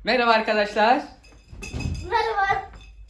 Merhaba arkadaşlar. Merhaba.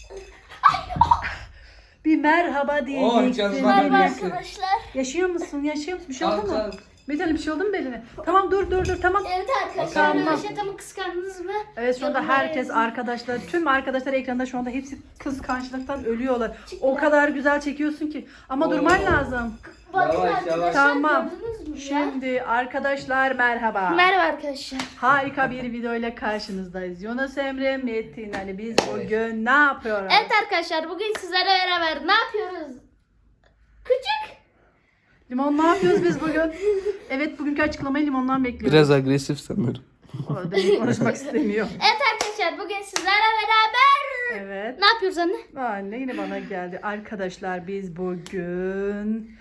Bir merhaba diyeceksin. canım, Merhaba Neyse. arkadaşlar. Yaşıyor musun? Yaşıyor musun? Bir şey oldu Kalk, mu? kalk. Metin bir şey oldu mu beline? Tamam dur tamam. Evet arkadaşlar. Tamam. Reşat'ımı kıskandınız mı? Evet şu anda Yorumlara herkes yazın. arkadaşlar, tüm arkadaşlar ekranda şu anda hepsi kıskançlıktan ölüyorlar. O kadar güzel çekiyorsun ki. Ama durman lazım. Bakın Yavaş, arkadaşlar yavaş. Tamam. gördünüz mü ya? Şimdi arkadaşlar merhaba. Merhaba arkadaşlar. Harika bir video ile karşınızdayız. Yunus Emre, Metin Ali, biz bugün ne yapıyoruz? Evet arkadaşlar bugün sizlerle beraber ne yapıyoruz? Küçük. Limon ne yapıyoruz biz bugün? Evet bugünkü açıklamayı limondan bekliyoruz. Biraz agresif sanırım. O belli konuşmak istemiyor. Evet arkadaşlar bugün sizlerle beraber Evet. ne yapıyoruz anne? Anne yine bana geldi. Arkadaşlar biz bugün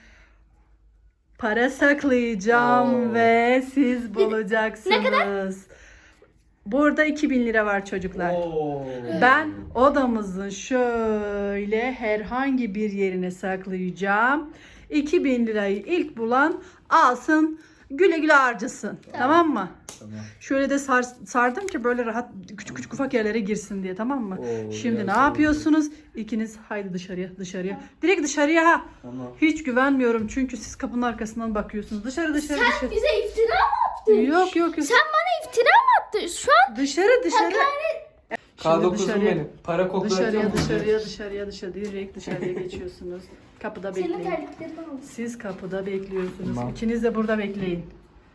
para saklayacağım Oo. ve siz bulacaksınız. Ne kadar? Burada 2000 lira var çocuklar. Ben odamızın şöyle herhangi bir yerine saklayacağım. 2000 lirayı ilk bulan alsın, güle güle harcasın. Tamam mı? Tamam. Şöyle de sardım ki böyle rahat küçük küçük ufak yerlere girsin diye, tamam mı? Oo, Şimdi biraz ne zor. yapıyorsunuz? İkiniz haydi dışarıya. Direkt dışarıya ha. Tamam. Hiç güvenmiyorum çünkü siz kapının arkasından bakıyorsunuz. Dışarı. Sen bize iftira mı attın? Yok. Sen bana iftira mı attın? Şu an Dışarı. Şimdi K9'um benim. Para koklayacağım. Dışarıya direkt dışarıya geçiyorsunuz. Kapıda senin bekleyin. terliklerini aldım. Siz kapıda bekliyorsunuz. Tamam. İkiniz de burada bekleyin.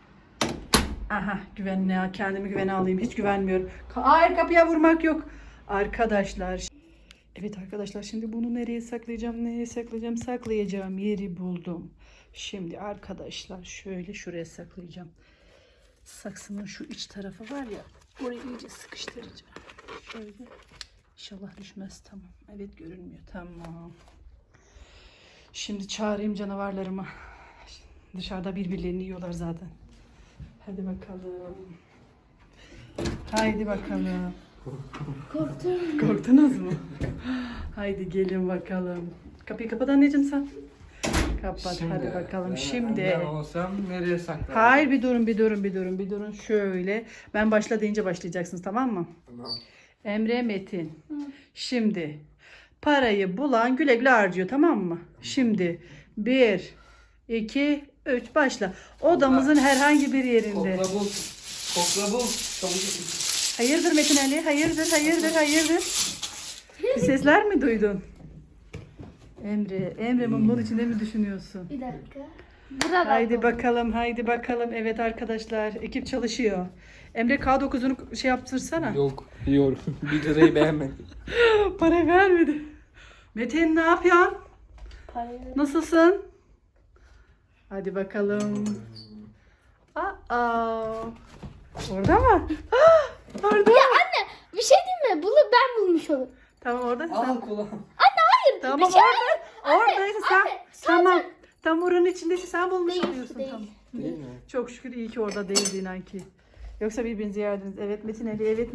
Aha kendimi güvene alayım. Hiç güvenmiyorum. Hayır, kapıya vurmak yok. Arkadaşlar. Evet arkadaşlar, şimdi bunu nereye saklayacağım? Saklayacağım yeri buldum. Şimdi arkadaşlar şöyle şuraya saklayacağım. Saksının şu iç tarafı var ya. Orayı iyice sıkıştıracağım. Şöyle. İnşallah düşmez. Tamam. Evet, görünmüyor. Tamam. Şimdi çağırayım canavarlarımı. Dışarıda birbirlerini yiyorlar zaten. Hadi bakalım. Haydi bakalım. Korktum. Korktunuz mu? Haydi gelin bakalım. Kapıyı kapat anneciğim sen. Kapat. Hadi bakalım. Şimdi. Ben olsam nereye saklarım? Hayır, bir durun. Şöyle. Ben başla deyince başlayacaksınız, tamam mı? Tamam. Emre, Metin. Şimdi parayı bulan güle güle harcıyor, tamam mı? Şimdi 1, 2, 3 başla. Odamızın herhangi bir yerinde. Kokla bul. Çabuk. Hayırdır Metin Ali? Hayırdır? Bir sesler mi duydun? Emre mumların içinde mi düşünüyorsun? Bir dakika. Burada Haydi bakalım. Evet arkadaşlar, ekip çalışıyor. Emre K9'unu şey yaptırsana. Yok. 1 lirayı beğenmedim. Para vermedi. Metin ne yapıyorsun? Nasılsın? Hadi bakalım. Orada mı? Orada. Ya anne bir şey diyeyim mi? Bunu ben bulmuş olurum. Tamam orada. Al kulağım. Tamam bir şey oradaysa sen. Tamam. Tam oranın içindeyse sen bulmuş Değil, oluyorsun. değil. Tamam. Değil mi? Çok şükür iyi ki orada değildi inan ki. Yoksa birbirinizi yerdiniz. Evet Metin Ali. Evet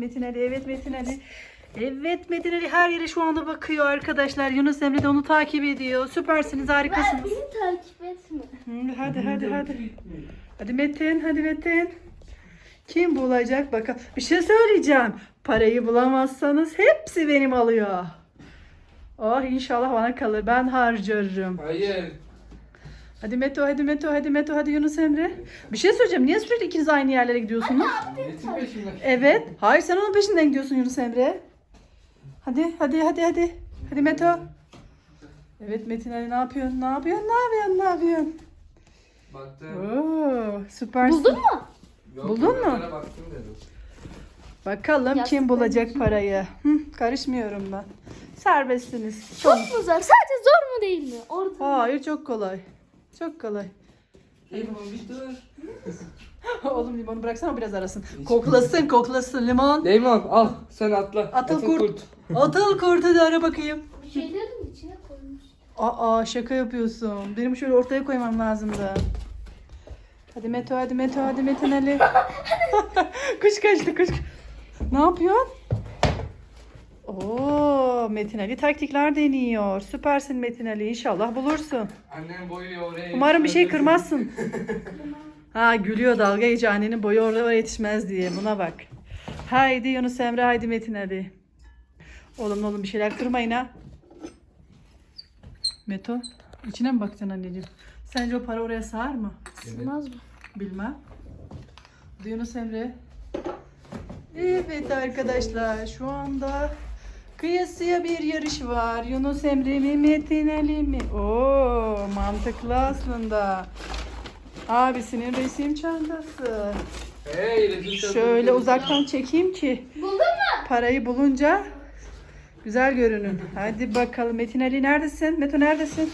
Metin Ali her yere şu anda bakıyor arkadaşlar. Yunus Emre de onu takip ediyor. Süpersiniz, harikasınız. Beni takip etme. Hadi. Hadi Metin. Kim bulacak bakalım. Bir şey söyleyeceğim. Parayı bulamazsanız hepsi benim alıyor. Oh, inşallah bana kalır. Ben harcarım. Hayır. Hadi Meto, hadi Yunus Emre. Bir şey söyleyeceğim. Niye sürekli ikiniz aynı yerlere gidiyorsunuz? Metin peşimde. Evet. Hayır, sen onun peşinden gidiyorsun Yunus Emre. Hadi. Hadi Meto. Evet Metin Ali, ne yapıyorsun? Baktım. Oo, süpersin. Buldun mu? Yok, Buldun mu? oralara Baktım dedim. Bakalım Yastıkların kim bulacak parayı. Karışmıyorum ben. Serbestsiniz. Çok mu zor? Sadece zor mu değil mi? Orta. Hayır, çok kolay. Limon bir dur. Oğlum limonu bıraksana, biraz arasın. Koklasın limon. Limon al sen atla. Atıl kurt. Atıl kurtu da ara bakayım. Bir şeylerin içine koymuş. Şaka yapıyorsun. Benim şöyle ortaya koymam lazımdı. Hadi Metin Ali. Kuş kaçtı. Ne yapıyorsun? Oo, Metin Ali taktikler deniyor. Süpersin Metin Ali. İnşallah bulursun. Annem boyu oraya. Umarım bir şey kırmazsın. Gülüyor, dalga geçiyor, annenin boyu oraya yetişmez diye. Buna bak. Haydi Yunus Emre, haydi Metin Ali. Oğlum bir şeyler kırmayın ha. Meto, içine mi bakacaksın anneciğim? Sence o para oraya sığar mı? Sığmaz mı? Bilmem. Hadi Yunus Emre. Evet arkadaşlar, şu anda kıyasıya bir yarış var. Yunus Emre mi, Metin Ali mi? Oo, mantıklı aslında. Abisinin resim çantası. Hey, resim çantası. Şöyle uzaktan çekeyim ki Buldun mu? parayı bulunca güzel görünün. Hadi bakalım, Metin Ali neredesin? Meto neredesin?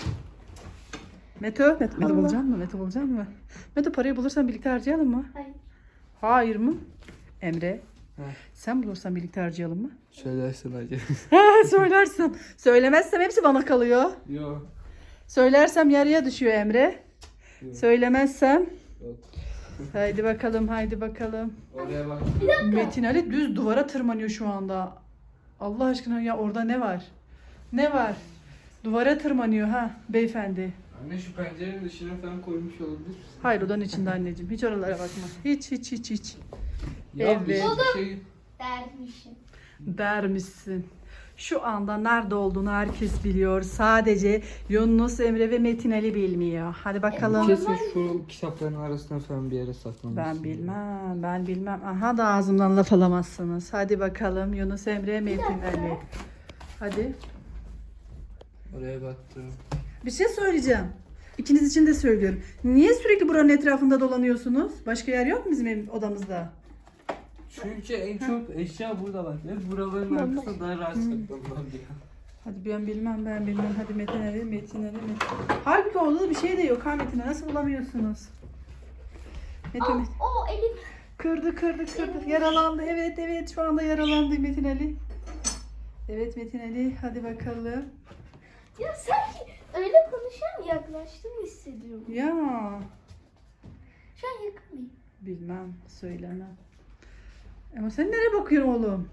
Meto bulacak mı? Meto bulacak mı? Meto, parayı bulursan birlikte harcayalım mı? Hayır. Hayır mı? Emre, He. sen bulursan birlikte harcayalım mı? Söylersin hacı. Söylersin. Söylemezsem hepsi bana kalıyor. Yok. Söylersem yarıya düşüyor Emre. Yok. Söylemezsem. Yok. Haydi bakalım, haydi bakalım. Oraya bak. Metin Ali düz duvara tırmanıyor şu anda. Allah aşkına ya, orada ne var? Ne var? Duvara tırmanıyor ha beyefendi. Anne şu pencerenin dışına falan koymuş olabilir. Hayır, odanın içinde anneciğim. Hiç oralara bakma. Hiç. Ya Evet. bir şey... Dermişim. Dermişsin. Şu anda nerede olduğunu herkes biliyor. Sadece Yunus Emre ve Metin Ali bilmiyor. Hadi bakalım. Kesin şu kitapların arasına falan bir yere saklamışsın. Ben bilmem. Aha da ağzımdan laf alamazsınız. Hadi bakalım Yunus Emre, Metin Ali. Hadi. Oraya baktım. Bir şey söyleyeceğim. İkiniz için de söylüyorum. Niye sürekli buranın etrafında dolanıyorsunuz? Başka yer yok mu bizim odamızda? Çünkü en çok eşya burada var. Ve buraların arkasında daha rahat saklanılabiliyor. Hadi ben bilmem. Hadi Metin Ali. Halbuki orada bir şey de yok ha Metin Ali. Nasıl bulamıyorsunuz? Metin Ali. O elim. Kırdı. Yaralandı. Evet şu anda yaralandı Metin Ali. Evet Metin Ali. Hadi bakalım. Ya sanki öyle konuşan yaklaştığımı hissediyorum. Ya. Şu an yakın mıyım? Bilmem. Söylemem. Ama sen nereye bakıyorsun oğlum?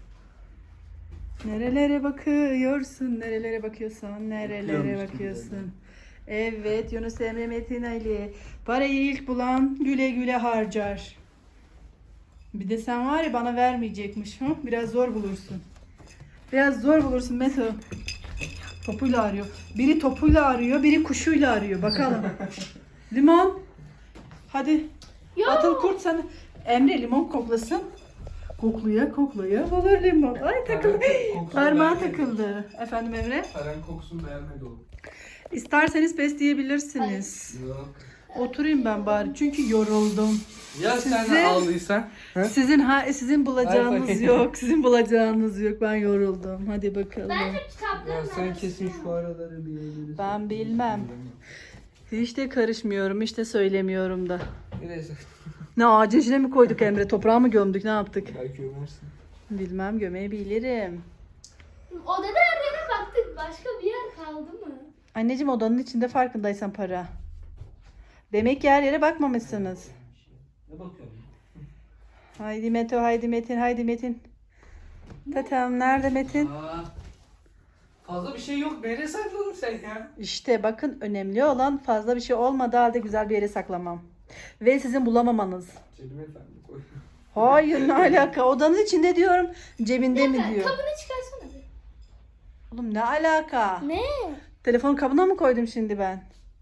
Nerelere bakıyorsun? Nerelere bakıyorsun? Nerelere Bakıyormuş bakıyorsun? Evet Yunus Emre, Metin Ali. Parayı ilk bulan güle güle harcar. Bir de sen var ya, bana vermeyecekmiş. Hı? Biraz zor bulursun Meto. Topuyla arıyor. Biri topuyla arıyor, biri kuşuyla arıyor. Bakalım. Limon. Hadi. Yok. Atıl kurt sana. Emre limon koklasın. Koklaya bulur limon. Ay takıldı. Kokusunu Parmağı beğenmedi. takıldı. Efendim Emre? Paran kokusunu beğenmedi oğlum. İsterseniz pes diyebilirsiniz. Yok. Oturayım ben bari çünkü yoruldum. Ya sen Sizin- ağlıysan? He? Sizin bulacağınız bakayım. yok. Sizin bulacağınız yok. Ben yoruldum. Hadi bakalım. Bence Ya kitapların sen arasında. kesin şu araları bir yerlere Ben bilmem. Hiç de karışmıyorum, hiç de söylemiyorum da. Neyse. Ne, ağacın içine mi koyduk Emre? Toprağa mı gömdük? Ne yaptık? Belki ömersin. Bilmem, gömebilirim. Odada her yere baktık. Başka bir yer kaldı mı? Anneciğim, odanın içinde farkındaysan para. Demek ki her yere bakmamışsınız. Ne bakıyorsun? Haydi Meto, haydi Metin. Tatam nerede Metin? Aa, fazla bir şey yok. Nereye sakladın sen ya? İşte bakın, önemli olan fazla bir şey olmadığı halde güzel bir yere saklamam. Ve sizin bulamamanız. Cebime efendim koy. Hayır, ne alaka? Odanın içinde diyorum. Cebinde mi diyor? Kabını çıkarsana bir. Oğlum ne alaka? Ne? Telefon kabına mı koydum şimdi ben?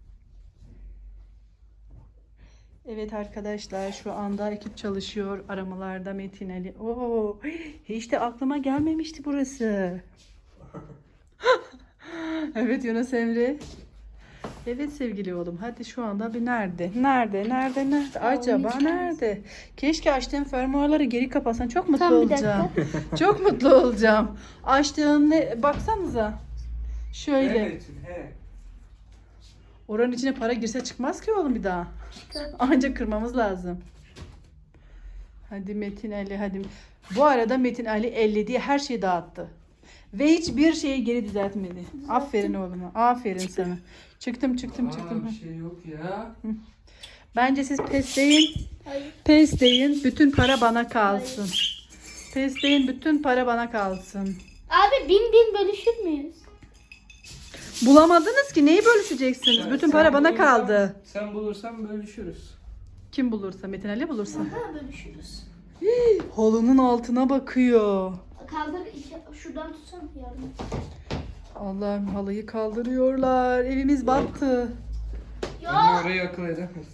Evet arkadaşlar, şu anda ekip çalışıyor aramalarda Metin Ali. Oo, hiç de aklıma gelmemişti burası. Evet Yunus Emre. Evet sevgili oğlum, hadi şu anda bir nerede? Acaba nerede? Keşke açtığım fermuarları geri kapatsan, çok mutlu Tamam, bir olacağım. Çok mutlu olacağım. Açtığım ne, baksanıza. Şöyle. Evet, he. Oranın içine para girse çıkmaz ki oğlum bir daha. Ancak kırmamız lazım. Hadi Metin Ali, hadi. Bu arada Metin Ali ellediği her şeyi dağıttı. Ve hiçbir şeyi geri düzeltmedi. Aferin oğluma. Aferin sana. Çıktım. Aa, bir şey yok ya. Bence siz pes deyin. Hayır. Pes deyin. Bütün para bana kalsın. Pes deyin. Bütün para bana kalsın. Abi bin bölüşür müyüz? Bulamadınız ki. Neyi bölüşeceksiniz? Sen- Bütün sen para bana bulursan- kaldı. Sen bulursan bölüşürüz. Kim bulursa? Metin Ali bulursa. Ha, bölüşürüz. Halının altına bakıyor. Kaldır şuradan tutsana yardım et. Allah'ım halıyı kaldırıyorlar. Evimiz battı. Anne orayı akıl edemez.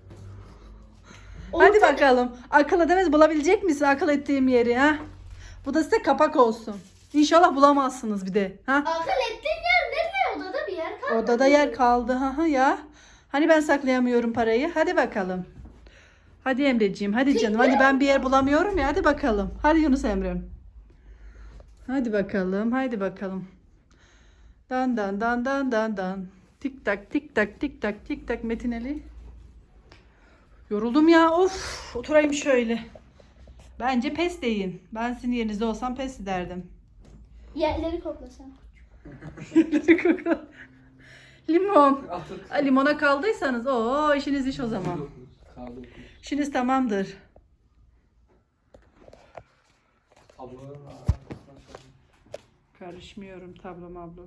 Hadi bakalım. Akıl edemez bulabilecek misin akıl ettiğim yeri ha? Bu da size kapak olsun. İnşallah bulamazsınız bir de. Ha? Akıl ettiğin yer nerede? Odada bir yer kaldı. Odada yer kaldı ha ya. Hani ben saklayamıyorum parayı. Hadi bakalım. Hadi Emreciğim, hadi canım. Hani ben bir yer bulamıyorum ya. Hadi bakalım. Hadi Yunus Emre'm. Hadi bakalım, hadi bakalım. Dan dan dan dan dan dan. Tik tak tik tak tik tak tik tak Metin Ali. Yoruldum ya. Of, oturayım şöyle. Bence pes deyin. Ben sizin yerinizde olsam pes ederdim. Yerleri koklasana. Limon. Atık. Limona kaldıysanız o işiniz iş o zaman. Kaldı. İşiniz tamamdır. Tablolar var. Karışmıyorum tablo mablo.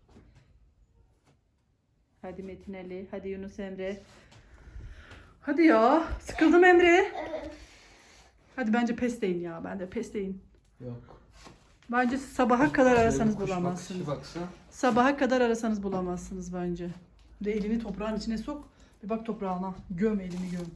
Hadi Metin Ali, hadi Yunus Emre. Hadi ya, sıkıldım Emre. Evet. Hadi bence pes deyin ya, ben de pes deyin. Yok. Bence sabaha kadar arasanız Kuş bulamazsınız. baksa. Sabaha kadar arasanız bulamazsınız bence. De elini toprağın içine sok. Bir bak toprağına. Göm elini göm.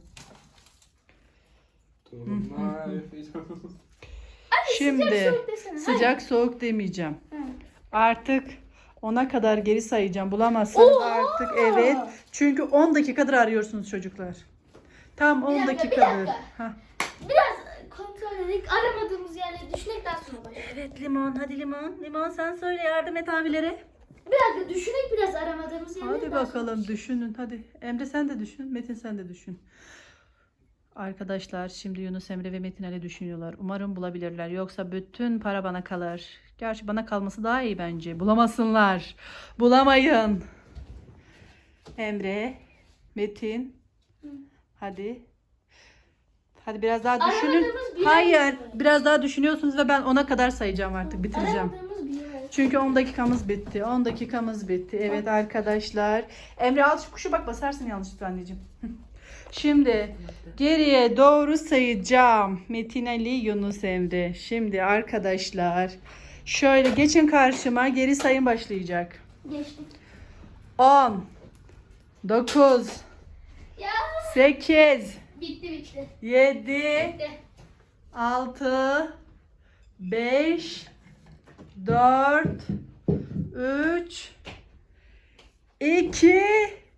Torunlar. Şimdi Sıcak soğuk desene. sıcak soğuk demeyeceğim. Hı. Artık 10'a kadar geri sayacağım. Bulamazsanız Oha! artık evet. Çünkü 10 dakikadır arıyorsunuz çocuklar. Tam 10 Bir dakika, bir dakikadır. dakika. Hah. Biraz kontrol edelim. Aramadığımız yerleri düşünerek daha sonra başlayalım. Evet limon, hadi limon. Limon sen söyle yardım et abilere. Bir dakika düşünerek biraz aramadığımız yerleri Hadi daha bakalım sonra düşünün hadi. Emre sen de düşün, Metin sen de düşün. Arkadaşlar şimdi Yunus Emre ve Metin Ali düşünüyorlar. Umarım bulabilirler. Yoksa bütün para bana kalır. Gerçi bana kalması daha iyi bence. Bulamasınlar. Bulamayın. Emre, Metin. Hadi. Hadi biraz daha düşünün. Aramadığımız bir yer Hayır. mi? Biraz daha düşünüyorsunuz ve ben 10'a kadar sayacağım artık. Bitireceğim. Aradığımız bir yer. Çünkü 10 dakikamız bitti. 10 dakikamız bitti. Evet arkadaşlar. Emre al şu kuşu bak basarsın yanlışlıkla anneciğim. Şimdi geriye doğru sayacağım. Metin Ali, Yunus Emre. Şimdi arkadaşlar şöyle geçin karşıma. Geri sayım başlayacak. Geçtik. 10 9 Ya 8 bitti. 7 Bitti. 6 5 4 3 2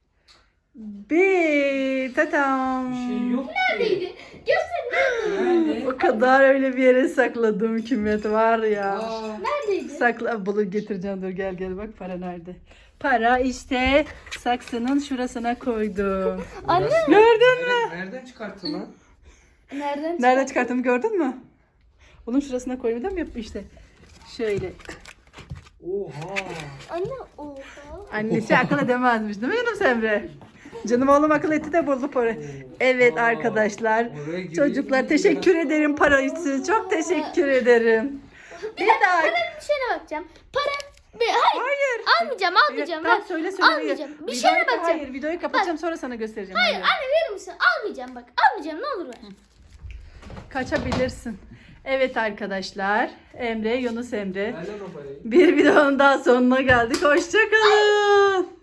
1 Tatam. Bir şey yok ki. Neredeydi? Göster neredeydi? Nerede? O kadar öyle bir yere sakladım Kimet var ya. Aa, Neredeydi? Sakla bunu getireceğim dur gel bak para nerede? Para işte saksının şurasına koydum. Anne. Gördün mü? Nereden çıkarttın lan? Nereden çıkarttım gördün mü? Onun şurasına koydum değil mi işte. Şöyle. Oha. Anne oha. Annesi akıl edemezmiş değil mi Yunus Emre? Canım oğlum akıl etti de buldu para. Evet Aa, arkadaşlar. oraya giriyor Çocuklar mu? teşekkür ederim para için. Çok teşekkür ederim. Bir daha. Bir şeyine bakacağım. Hayır. Almayacağım. Tamam, Bak. söyle. Almayacağım. Bir Videoyu- şeyine bakacağım. Hayır videoyu kapatacağım sonra sana göstereceğim. Hayır anne verir misin? Almayacağım bak. Almayacağım ne olur ver. Kaçabilirsin. Evet arkadaşlar. Emre, Yunus Emre. Ver lan o parayı. Bir videonun daha sonuna geldik. Hoşçakalın.